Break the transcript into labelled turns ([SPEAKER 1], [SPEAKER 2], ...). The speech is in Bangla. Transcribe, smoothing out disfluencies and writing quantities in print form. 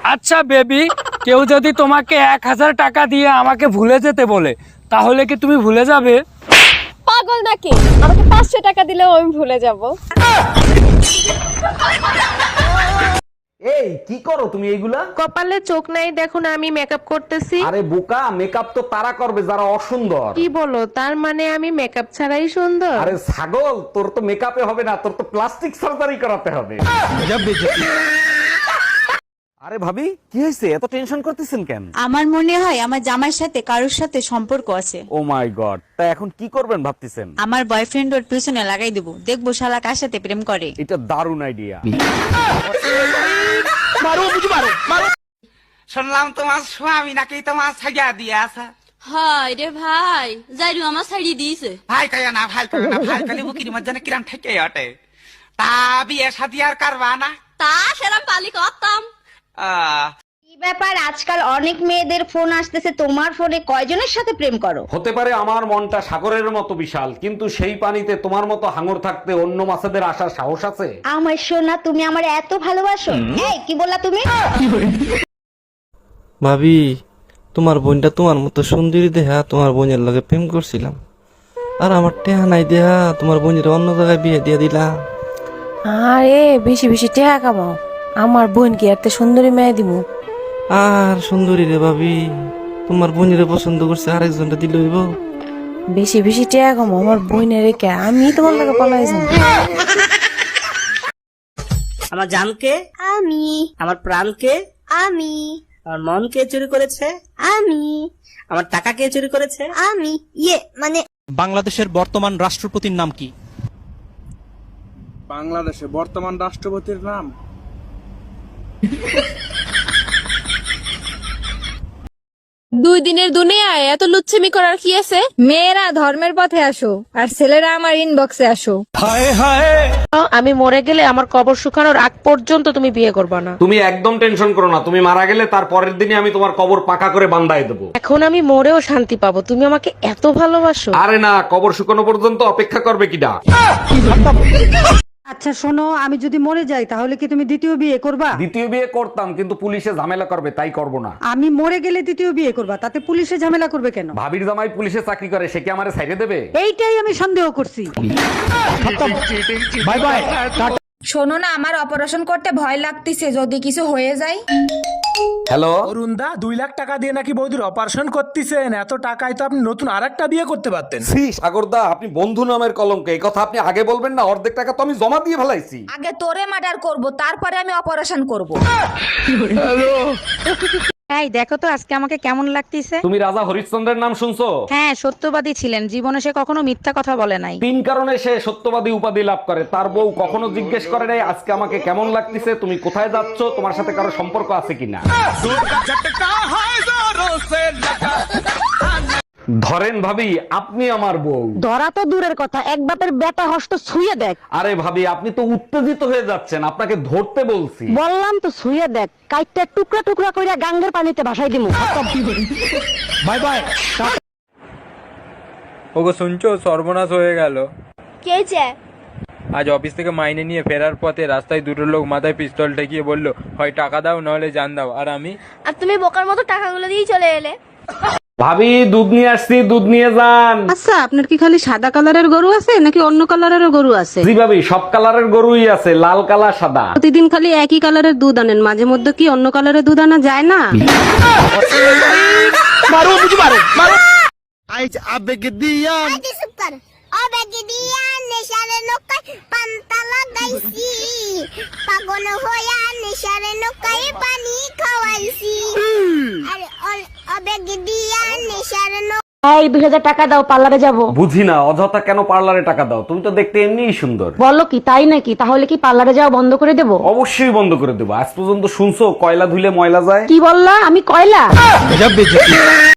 [SPEAKER 1] আচ্ছা বেবি, কেউ যদি তোমাকে 1000 টাকা দিয়ে আমাকে ভুলে যেতে বলে, তাহলে কি তুমি ভুলে যাবে?
[SPEAKER 2] পাগল নাকি? আমাকে 500 টাকা দিলেও আমি ভুলে যাব।
[SPEAKER 3] এই কি করো তুমি এইগুলা?
[SPEAKER 4] কপালে চোখ নাই দেখো না, আমি মেকআপ করতেছি।
[SPEAKER 3] আরে বোকা, মেকআপ তো তারা করবে যারা অসুন্দর।
[SPEAKER 4] কি বলো, তার মানে আমি মেকআপ ছাড়াই সুন্দর?
[SPEAKER 3] আরে ছাগল, তোর তো মেকআপে হবে না, তোর তো প্লাস্টিক সার্জারি করাতে হবে। আরে ভাবি, কি হয়েছে? এত টেনশন করতেছেন কেন?
[SPEAKER 5] আমার মনে হয় আমার জামাইয়ের সাথে কারোর সাথে সম্পর্ক আছে।
[SPEAKER 3] ও মাই গড, তা এখন কি করবেন ভাবতেছেন?
[SPEAKER 5] আমার বয়ফ্রেন্ড ওর পিছনে লাগাই দেবো, দেখবো শালা কার সাথে প্রেম করে।
[SPEAKER 3] এটা দারুণ আইডিয়া।
[SPEAKER 6] শুনলাম তোমার স্বামী নাকি তোমার ছাইয়া দিয়ে আছে।
[SPEAKER 7] হায় রে ভাই, যাইরু আমার ছাড়ি দিয়েছে।
[SPEAKER 6] ভাই কয়া না, ভাই কয়া না, ভাই কালি বুকির মধ্যে না কিরাম ঠেকে ওঠে। তা বিয়ে শাদি আর করবা না?
[SPEAKER 7] তা সেরাম পালি করতাম।
[SPEAKER 8] কি ব্যাপার, আজকাল অনেক মেয়েদের ফোন আসতেছে, তোমার ফোনে কয়জনের সাথে প্রেম করো?
[SPEAKER 3] হতে পারে আমার মনটা সাগরের মতো বিশাল, কিন্তু সেই পানিতে তোমার মতো হাঙর থাকতে অন্য মাছেদের আসার সাহস আছে?
[SPEAKER 8] আমার সোনা, তুমি আমার এত ভালোবাসো? এই কি বললা তুমি?
[SPEAKER 9] ভাবি, তোমার বোনটা তোমার মতো সুন্দরী দেহা তোমার বোনের লগে প্রেম করছিলাম, আর আমার টেহা নাই দেহা তোমার বোনের অন্য জায়গায় বিয়ে দিয়ে দিলাম।
[SPEAKER 4] আরে বেশি বেশি টাকা কামাও, আমার বোন কি একটা সুন্দরী মেয়ে দিমু?
[SPEAKER 9] আর সুন্দরী রে ভাবি, তোমার বোনের পছন্দ করছে, আরেকজনটা দিল হইব।
[SPEAKER 4] বেশি বেশি টাকা কামাও, আমার বোনের রেখে আমি তোমার লাগে পালাই যাবো।
[SPEAKER 10] আমার জানকে,
[SPEAKER 8] আমি।
[SPEAKER 10] আমার প্রাণকে,
[SPEAKER 8] আমি।
[SPEAKER 10] আমার মন কে চুরি করেছে?
[SPEAKER 8] আমি।
[SPEAKER 10] আমার টাকা কে চুরি করেছে?
[SPEAKER 8] আমি মানে
[SPEAKER 11] বাংলাদেশের বর্তমান রাষ্ট্রপতির নাম কি?
[SPEAKER 1] বাংলাদেশে বর্তমান রাষ্ট্রপতির নাম?
[SPEAKER 2] দুই দিনের দুনিয়ায় এত লুচ্ছামি করার কি আছে? মেয়েরা ধর্মের পথে আসো, আর ছেলেরা আমার ইনবক্সে আসো।
[SPEAKER 4] আমি মরে গেলে আমার কবর শুকানোর আগ পর্যন্ত তুমি বিয়ে করবে না।
[SPEAKER 3] তুমি একদম টেনশন করো না, তুমি মারা গেলে তার পরের দিনই আমি তোমার কবর পাকা করে বান্ধাই দেবো।
[SPEAKER 4] এখন আমি মরেও শান্তি পাবো, তুমি আমাকে এত ভালোবাসো।
[SPEAKER 3] আরে না, কবর শুকানো পর্যন্ত অপেক্ষা করবে কিনা?
[SPEAKER 12] আচ্ছা শোনো, আমি যদি মরে যাই তাহলে কি তুমি দ্বিতীয় বিয়ে করবা?
[SPEAKER 3] দ্বিতীয় বিয়ে করতাম, কিন্তু পুলিশে ঝামেলা করবে, তাই করব না।
[SPEAKER 12] আমি মরে গেলে দ্বিতীয় বিয়ে করবা, তাতে পুলিশে ঝামেলা করবে কেন?
[SPEAKER 3] ভাবির জামাই পুলিশে চাকরি করে, সে কি আমারে ছাইড়ে দেবে?
[SPEAKER 12] এইটাই আমি সন্দেহ করছি।
[SPEAKER 1] Bye bye.
[SPEAKER 2] শোনো না, আমার অপারেশন করতে ভয় লাগতেছে, যদি কিছু হয়ে যায়।
[SPEAKER 3] হ্যালো
[SPEAKER 1] অরুণদা, 2 লাখ টাকা দিয়ে নাকি বৌদির অপারেশন করতেছেন? এত টাকায় তো আপনি নতুন আরেকটা বিয়ে করতে পারতেন।
[SPEAKER 3] শ্রী সাগরদা, আপনি বন্ধু নামের কলঙ্ক, এই কথা আপনি আগে বলবেন না। অর্ধেক টাকা তো আমি জমা দিয়ে ফেলাইছি।
[SPEAKER 2] আগে তোরে মার্ডার করব, তারপরে আমি অপারেশন করব।
[SPEAKER 5] এই দেখো তো আজকে আমাকে কেমন লাগতেছে।
[SPEAKER 3] তুমি রাজা হরিশ্চন্দ্রের নাম শুনছো?
[SPEAKER 5] হ্যাঁ, সত্যবাদী ছিলেন, জীবনে সে কখনো মিথ্যা কথা বলে নাই।
[SPEAKER 3] 3 কারণে সে সত্যবাদী উপাধি লাভ করে। তার বউ কখনো জিজ্ঞেস করে নাই আজকে আমাকে কেমন লাগতেছে, তুমি কোথায় যাচ্ছ, তোমার সাথে কারো সম্পর্ক আছে কিনা। ধরেন ভাবি, আপনি আমার বউ।
[SPEAKER 12] ধরা তো দূরের কথা, এক বাপের বেটা হস্ত ছুঁয়ে দেখ।
[SPEAKER 3] আরে ভাবি, আপনি তো উত্তেজিত হয়ে যাচ্ছেন, আপনাকে ধরতে বলছি।
[SPEAKER 12] বললাম তো ছুঁয়ে দেখ, কাইটটা টুকরা টুকরা কইরা গাঙ্গের পানিতে ভাসাই দিমু।
[SPEAKER 1] Bye bye.
[SPEAKER 9] ওগো শুনছো, সর্বনাশ হয়ে গেল।
[SPEAKER 2] কে যে?
[SPEAKER 9] আজ অফিস থেকে মাইনে নিয়ে ফেরার পথে রাস্তায় দুটো লোক মাথায় পিস্তল ঠেকিয়ে বলল, হয় টাকা দাও নাহলে জান দাও। আর আমি,
[SPEAKER 2] আর তুমি বোকার মতো টাকাগুলো দিয়ে চলে এলে।
[SPEAKER 3] ভাবি, দুধ নিয়ে আসছি, দুধ নিয়ে যান।
[SPEAKER 4] আচ্ছা, আপনার কি খালি সাদা কালারের গরু আছে নাকি অন্য কালারেরও গরু আছে?
[SPEAKER 3] জি ভাবি, সব কালারের গরুই আছে, লাল কালা সাদা।
[SPEAKER 4] প্রতিদিন খালি একই কালারের দুধ আনেন, মাঝে মধ্যে কি অন্য কালারের দুধ আনা যায় না?
[SPEAKER 1] আইজ আবেগ দিয়া
[SPEAKER 8] আবেগে দিয়া নেশারে নৌকায় পান্তা লাগাইছি, পাগল হইয়া নেশারে নৌকায় পানি খাওয়াইছি। আরে আবেগে দিয়া নেশারে এই 2000 টাকা দাও, পার্লারে যাবো।
[SPEAKER 3] বুঝি না, অযথা কেন পার্লারে টাকা দাও? তুমি তো দেখতে এমনিই সুন্দর।
[SPEAKER 8] বলো কি, তাই নাকি? তাহলে কি পার্লারে যাওয়া বন্ধ করে দেবো?
[SPEAKER 3] অবশ্যই বন্ধ করে দেবো। আজ পর্যন্ত শুনছো কয়লা ধুলে ময়লা যায়?
[SPEAKER 8] কি বললা? আমি কয়লা?